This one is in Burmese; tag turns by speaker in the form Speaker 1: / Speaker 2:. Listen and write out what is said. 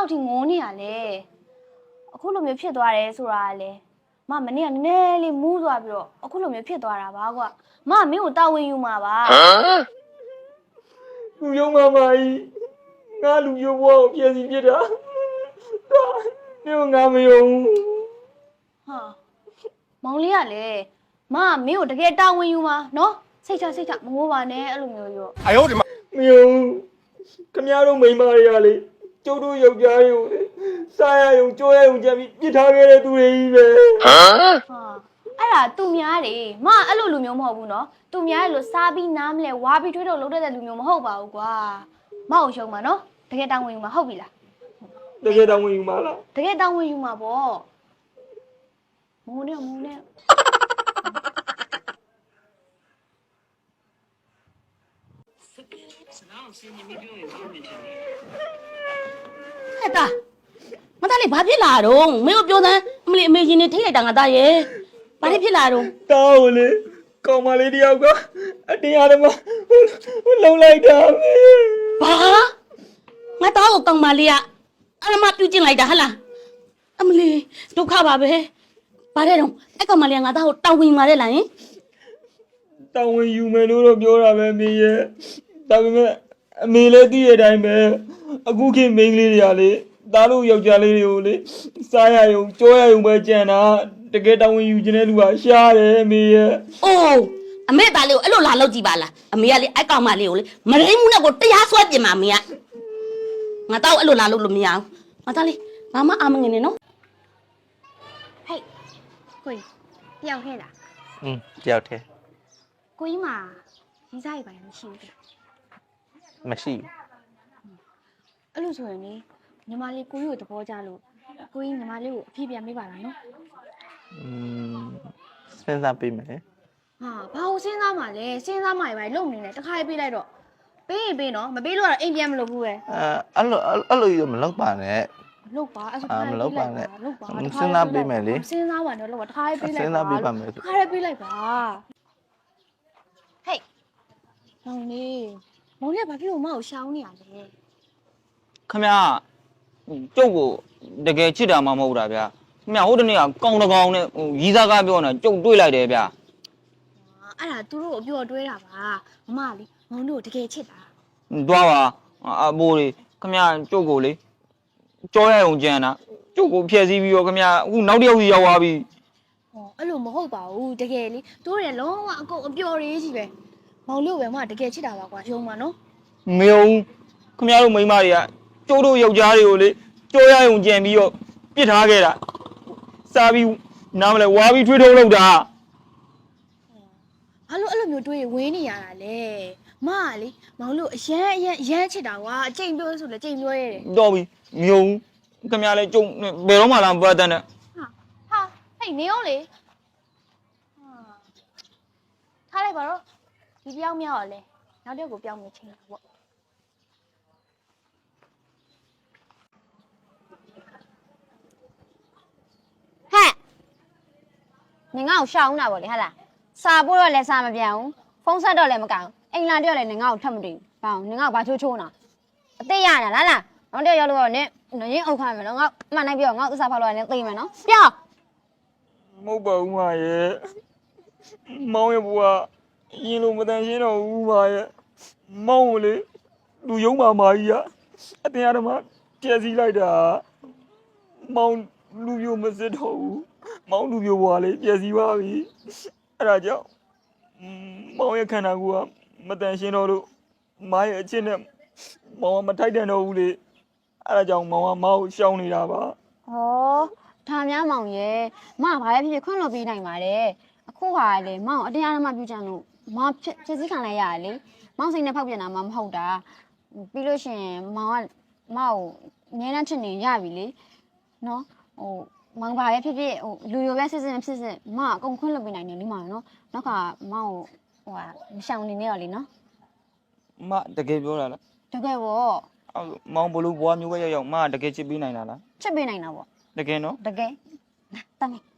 Speaker 1: လောက်ထိငိုနေရလဲအခုလိုမျိုးဖြစ်သွားတယ်ဆိုတာလေမမနေ့ကနည်းနည်းလေးမူးသွားပြီးတော့အခုလိုမျိုးဖြစ်သွားတာပါကွာမမင်းကိုတာဝန်ယူမှာပါ
Speaker 2: လူယုံမမကြီးငါလူယုံဘဝကိုပြင်စီပြစ်တာမျိုးငါမယုံ
Speaker 1: ဟာမောင်လေးကလည်းမမင်းကိုတကယ်တာဝန်ယူမှာနော်စိတ်ချမငိုပါနဲ့အဲ့လိုမျိုးရော
Speaker 2: 哎呦我的妈မယုံခမရတို့မိန်းမတွေကလေကျုပ်တို့ယောက်ျားတွေကိုလေစားရယုံကြိုးရယုံကြပြီးပြစ်ထားခဲ့တဲ့သူတွေကြီးပဲ
Speaker 1: ဟာအဲ့ဒါသူများလေမအဲ့လိုလူမျိုးမဟုတ်ဘူးနော်သူများလေလို့စားပြီးနားမလဲဝါပြီးထွေးတော့လုပ်တဲ့လူမျိုးမဟုတ်ပါဘူးကွာမအောင်ရှုံမှာနော်တကယ်တာဝန်ယူမှာဟုတ်ပြီလား
Speaker 2: တကယ်တောင်းဝင်ယူမှာလား
Speaker 1: တကယ်တာဝန်ယူမှာပေါ့မုန်းနဲ့
Speaker 3: ဟဲ့တာမသားလေးဘာဖြစ်လာတော့မင်းတို့ပြောစမ်းအမလေးအမေရှင်နေထိလိုက်တာငါသားရဲ့ဘာဖြစ်လာတော့
Speaker 2: တားကိုလေကောင်မလေးတယောက်ကအတင်းအဓမ္မလုံလိုက်တာ
Speaker 3: ဘာငါသားကိုကောင်မလေးကအဓမ္မပြုတ်ကျင်လိုက်တာဟဟလားအမလေးဒုက္ခပါပဲဘာတဲ့တော့အဲ့ကောင်မလေးကငါသားကိုတောင်းဝင်มาတဲ့လားယင်
Speaker 2: တောင်းဝင်ယူမယ်လို့တော့ပြောတာပဲမေရဲ့ဒါပေမဲ့အမေလည်းသိတဲ့အတိုင်းပဲအခုခေတ်မိန်းကလေးတွေကလေသားလို့ယောက်ျားလေးတွေကိုလေစားရယုံကြောရယုံပဲကြံတာတကယ်တောင်းဝင်ယူခြင်းတဲ့လူကရှားတယ်မေရဲ့
Speaker 3: အိုးအမေသားလေးကိုအဲ့လိုလာလောက်ကြည့်ပါလားအမေကလေအဲ့ကောင်မလေးကိုလေမရင်းမှုနဲ့ကိုတရားစွဲပြင်ပါမေကငါတော့အဲ့လိုလာလို့မရအောင်ငါသားလေးဘာမှအာမငင်နေနော်
Speaker 1: ဟေးကိုကြီးတယောက်ထဲလား
Speaker 4: တယောက်ထဲ
Speaker 1: ကိုကြီးမှာဒီစားရပါရင်မရှိဘူး
Speaker 4: မရှိ
Speaker 1: အဲ့လိုဆိုရင်လေညီမလေးကိုကြီးကိုသဘောကျလို့ကိုကြီးညီမလေးကိုအပြည့်ပြန်ပေးပါလားနော်
Speaker 4: စဉ်းစားပေးမယ်
Speaker 1: ဟာဘာလို့စဉ်းစားမှလဲစဉ်းစားမှရပါလုံနေတယ်တခါပေးလိုက်တော့ပေးရင်ပေးနော်မပေးလို့ကတော့အိမ်ပြန်မလုပ်ဘူးပဲ
Speaker 4: အဲ့လိုကြီးတော့မလုပ်ပါနဲ့
Speaker 1: လုပ်ပါအဲ့ဆို
Speaker 4: မလုပ်ပါနဲ့
Speaker 1: လုပ်ပါ
Speaker 4: စဉ်းစားပေးမယ်လေ
Speaker 1: စဉ်းစားပါတော့လုပ်ပါတခါပေးလိုက်ပါ
Speaker 4: စဉ်းစားပေးပါမယ်
Speaker 1: တခါပေးလိုက်ပါဟေးမောင်လေးဘာဖြစ်လို့မအောင်ရှောင်းနေရလဲ
Speaker 2: ခမရကျုပ်ကိုတကယ်ချစ်တာမှမဟုတ်တာဗျာခမရဟိုတနေ့ကကောင်းတကောင်နဲ့ရီးစားကားပြောနေတာကျုပ်တွေ့လိုက်တယ်ဗျာ
Speaker 1: အဲ့ဒါသူတို့အပြောတွဲတာပါမမလေးမောင်တို့တကယ်ချစ်တာ
Speaker 2: သွားပါအဘိုးလေးခမရကျုပ်ကိုလေကြောရယုံကြံတာကျုပ်ကိုဖျက်ဆီးပြီးတော့ခမရအခုနောက်တစ်ယောက်စီရောက်သွားပြီ
Speaker 1: ဟောအဲ့လိုမဟုတ်ပါဘူးတကယ်လေတို့ရလုံးဝအကုန်အပျော်ရေးကြီးပဲမောင်လို့ပဲမတကယ်ချစ်တာပါကွာရုံပါနော်
Speaker 2: မယုံခမရတို့မိန်းမတွေကကျိုးတို့ယောက်ျားတွေကိုလေကြောရယုံကြံပြီးတော့ပြစ်ထားခဲ့တာစားပြီးနားမလဲဝါပြီးထွေးထုံးလောက်တာ
Speaker 1: ဘာလို့အဲ့လိုမျိုးတွေးဝင်းနေရတာလဲမကလေမောင်လို့အရန်ချစ်တာကွာအချိန်ပြောဆိုလဲချိန်ပြောရတယ်
Speaker 2: တော်ပြီမယုံခမရလဲကျုံဘယ်တော့မှလာမပတ်တတ်နဲ့
Speaker 1: ဟာဟဲ့နေအောင်လေထားလိုက်ပါတော့ဒီပြောင်းမြောက်ရလဲနောက်တစ်ယောက်ကိုပြောင်းမယ်ချိန်တာပေါ့ဟဲ့နင်ငါ့ကိုရှောင်းတာပေါ့လေဟဟလားစာပို့တော့လည်းစာမပြန်ဘူးဖုန်းဆက်တော့လည်းမကောင်းအိမ်လာတော့လည်းနင်ငါ့ကိုထပ်မတွေ့ဘူးဘာနင်ငါ့ကိုဘာချိုးနာအသိရတာလားနောက်တစ်ယောက်ရောက်လို့တော့နင်အုတ်ခါမယ်နော်ငါမှန်နိုင်ပြောငါ့ဥစားဖောက်လို့လည်းသိမယ်နော်ပြော
Speaker 2: မဟုတ်ပါဘူးမရဲ့မောင်ရဲ့ဘွားရင်လိုမတန်ရှင်းတော့ဘူးမရဲ့မောင်ကိုလေလူယုံမာမာကြီးကအတင်းအဓမ္မပြည့်စည်လိုက်တာမောင်လူပြိုမစစ်တော့ဘူးမောင်လူပြိုဘွားလေပြည့်စည်ပါပြီအဲ့ဒါကြောင့်မောင်ရဲ့ခန္ဓာကိုယ်ကမတန်ရှင်းတော့လို့မရဲ့အချစ်နဲ့မောင်ကမထိုက်တန်တော့ဘူးလေအဲ့ဒါကြောင့်မောင်ကမောင်ကိုရှောင်နေတာပါ
Speaker 1: ဟောဒါများမောင်ရဲ့မဘာပဲဖြစ်ဖြစ်ခွင့်လို့ပြီးနိုင်ပါတယ်အခုဟာလေမောင်အတရားဓမ္မပြုကြံလို့မောင်ဖြစ်စည်းခံလိုက်ရတယ်လေမောင်စိတ်နဲ့ဖောက်ပြန်တာမှမဟုတ်တာပြီးလို့ရှိရင်မောင်ကမောင်ကိုငဲနှမ်းချစ်နေရပြီလေနော်မောင်ဘာပဲဖြစ်ဖြစ်လူရိုပဲစစ်ဖြစ်မောင်အကုန်ခွင့်လို့ပြီးနိုင်တယ်လေမောင်နော်နောက်ကမောင်ကိုမရှောင်နေနဲ့တော့လေနော်
Speaker 2: မတကယ်ပြောတာလား
Speaker 1: တကယ်ပေါ့
Speaker 2: မောင်ဘလို့ဘွားမျိုးပဲရောက်မတကယ်ချစ်ပေးနိုင်တာလား
Speaker 1: ချစ်ပေးနိုင်တာပေါ့
Speaker 2: တကယ်နော်
Speaker 1: တကယ်တမ်း